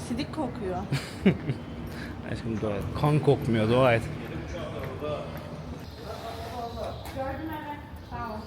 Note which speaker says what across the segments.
Speaker 1: Sidik kokuyor.
Speaker 2: Aşkım dua et. Kan kokmuyor, dua et.
Speaker 1: Gördüm evet. Sağ ol.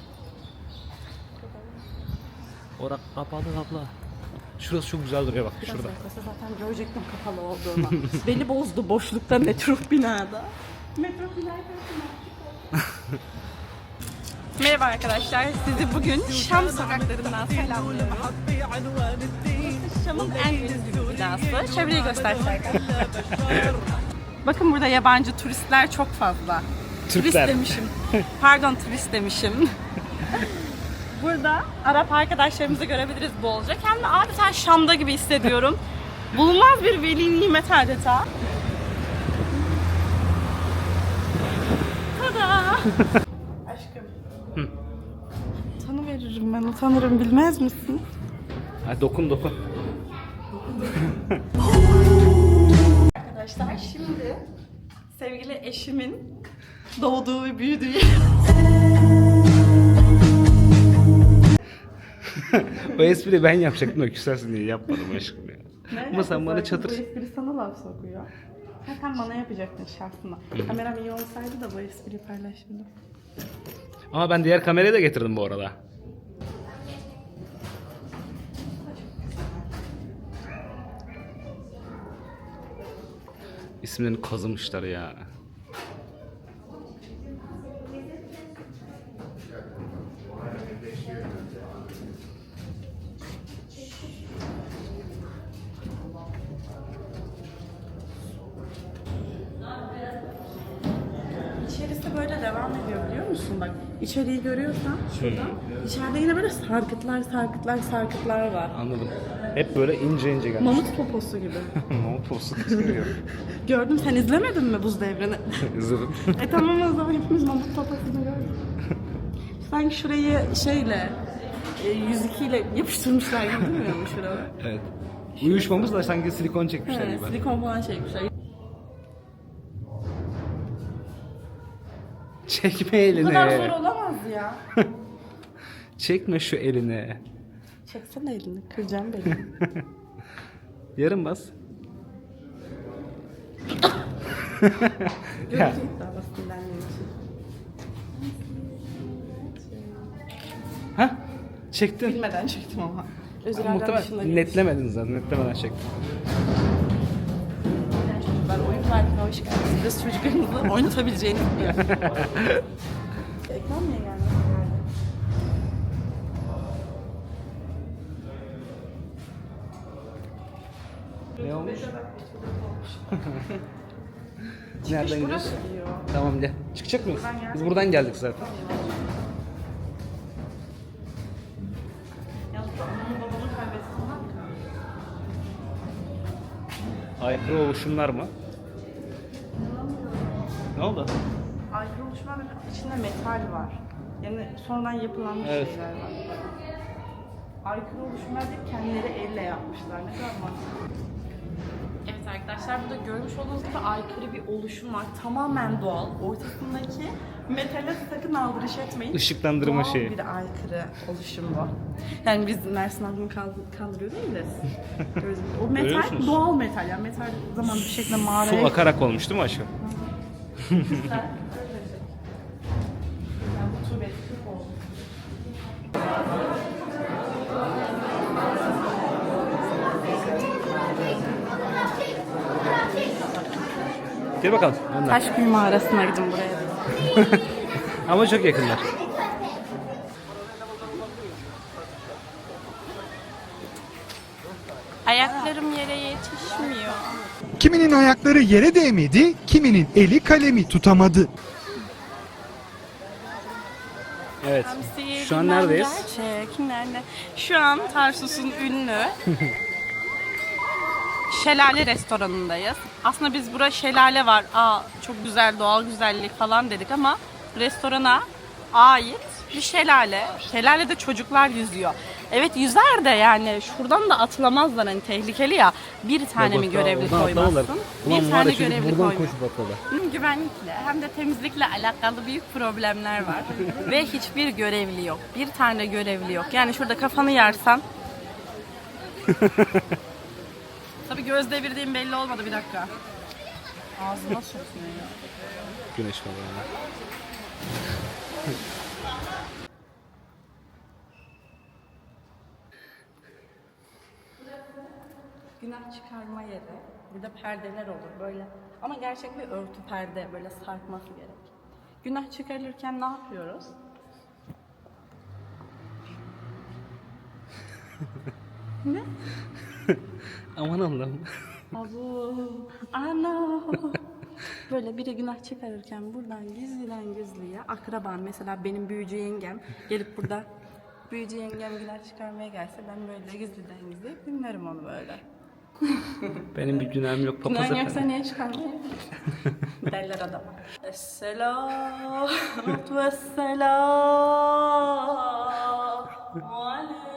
Speaker 2: Orak kapalı abla. Şurası çok güzel duruyor bak
Speaker 1: Biraz
Speaker 2: şurada.
Speaker 1: yaklaşsa zaten görecektim kapalı olduğunu. Beni bozdu boşlukta metro binada. Metro binada. Merhaba arkadaşlar, sizi bugün Şam sokaklarından selamlıyorum. Burası Şam'ın en ünlü binası. Çevreyi göstersek. Bakın burada yabancı turistler çok fazla.
Speaker 2: Türkler.
Speaker 1: Turist demişim. Pardon, turist demişim. Burada Arap arkadaşlarımızı görebiliriz bolca. Kendimi adeta Şam'da gibi hissediyorum. Bulunmaz bir veli nimet adeta. Tada! Aşkım. Tanıveririm ben, utanırım, bilmez misin?
Speaker 2: Ha, dokun.
Speaker 1: Arkadaşlar şimdi sevgili eşimin doğduğu ve büyüdüğü yer.
Speaker 2: O espriyi ben yapacaktım da küsersin diye yapmadım aşkım ya. Ama sen bana çatır...
Speaker 1: Bu espri sana laf sokuyor. Ha, sen bana yapacaktın şahsına. Kameram iyi olsaydı da bu espriyi paylaşırdım.
Speaker 2: Ama ben diğer kamerayı da getirdim bu arada. İsimlerini kazımışlar ya.
Speaker 1: İçerisi böyle devam ediyor biliyor musun? Bak içeriği görüyorsan şuradan. İçeride yine böyle sarkıtlar var.
Speaker 2: Anladım. Hep böyle ince gelmiş.
Speaker 1: Mamut poposu gibi.
Speaker 2: Mamut olsun istiyor.
Speaker 1: Gördüm, sen izlemedin mi Buz Devri'ni?
Speaker 2: İzledim.
Speaker 1: Tamam, o zaman hepimiz mamut poposunu gördük. Sanki şurayı şeyle 102 ile yapıştırmışlar gibi durmuyor mu şurada?
Speaker 2: Evet. Uyuşmamız da sanki silikon çekmişler gibi.
Speaker 1: Silikon falan çekmişler.
Speaker 2: Çekme
Speaker 1: Bu
Speaker 2: elini.
Speaker 1: kadar zor olamaz ya.
Speaker 2: Çekme şu elini.
Speaker 1: Çeksene elini, kıracağım beni.
Speaker 2: Yarım bas.
Speaker 1: Görüntü iddialasından için.
Speaker 2: Ha? Çektin.
Speaker 1: Bilmeden çektim ama. Özürlerden dışında
Speaker 2: Muhtemelen
Speaker 1: değil.
Speaker 2: netlemedin zaten. Netlemeden çektin.
Speaker 1: Çocuklar oyun parkına hoş geldiniz. Biz çocuklarımızı oynatabileceğini biliyoruz. Ekran niye gelmedi?
Speaker 2: Ne olmuş? Nereden gidiyoruz?
Speaker 1: Burası diyor.
Speaker 2: Tamam gel. Çıkacak mıyız?
Speaker 1: Buradan geldik.
Speaker 2: Biz buradan geldik zaten.
Speaker 1: Yalnız anamın babamı kaybetsinler mi?
Speaker 2: Aykırı oluşumlar mı? Ne oldu?
Speaker 1: Aykırı oluşumlar içinde metal var. Yani sonradan yapılanmış
Speaker 2: Evet.
Speaker 1: şeyler var. Aykırı oluşumlar değil, kendileri elle yapmışlar. Ne kadar mantıklı. Evet arkadaşlar, burada görmüş olduğunuz gibi aykırı bir oluşum var. Tamamen doğal. Ortasındaki metale sakın aldırış etmeyin.
Speaker 2: Işıklandırma
Speaker 1: doğal
Speaker 2: şeyi.
Speaker 1: bir aykırı oluşum bu. Yani biz Mersin halkını kandırıyor değiliz. O metal
Speaker 2: Görüyorsunuz.
Speaker 1: doğal metal. Yani metal zaman bir şekilde
Speaker 2: Su
Speaker 1: mağaraya...
Speaker 2: akarak olmuş değil mi aşkım?
Speaker 1: Güzel. Yani bu tür beslik oldu.
Speaker 2: Gel bakalım. Önden.
Speaker 1: Taşköy mağarasına gidin buraya.
Speaker 2: Ama çok yakınlar.
Speaker 1: Ayaklarım yere yetişmiyor.
Speaker 3: Kiminin ayakları yere değmedi, kiminin eli kalemi tutamadı.
Speaker 2: Evet.
Speaker 1: Hamsiye
Speaker 2: Şu an
Speaker 1: bilmem
Speaker 2: neredeyiz?
Speaker 1: Gerçek, nerede? Şu an Tarsus'un ünlü Şelale restoranındayız. Aslında biz burada şelale var, çok güzel doğal güzellik falan dedik ama restorana ait bir şelale. Şelalede çocuklar yüzüyor. Evet yüzer de yani şuradan da atlamazlar, hani tehlikeli ya. Bir tane mi görevli koymazsın? Bir tane görevli koymazsın. Hem güvenlikle hem de temizlikle alakalı büyük problemler var. Ve hiçbir görevli yok. Bir tane görevli yok. Yani şurada kafanı yarsan Tabii göz devirdiğim belli olmadı, bir dakika. Ağzıma sokuyor ya.
Speaker 2: Güneş falan. Ya.
Speaker 1: Günah çıkarma yeri. Burada perdeler olur böyle. Ama gerçek bir örtü perde, böyle sarkması gerek. Günah çıkarılırken ne yapıyoruz? Ne?
Speaker 2: Aman Allah'ım.
Speaker 1: Abu, ana. Böyle biri günah çıkarırken buradan gizliden gizliye akraban, mesela benim büyücü yengem gelip burada büyücü yengem günah çıkarmaya gelse ben böyle gizliden gizliye dinlerim onu böyle.
Speaker 2: Benim bir günahım yok papaz
Speaker 1: Günah yoksa
Speaker 2: efendim.
Speaker 1: niye çıkarmaya? Derler adam. Esselam ve selam aleyküm.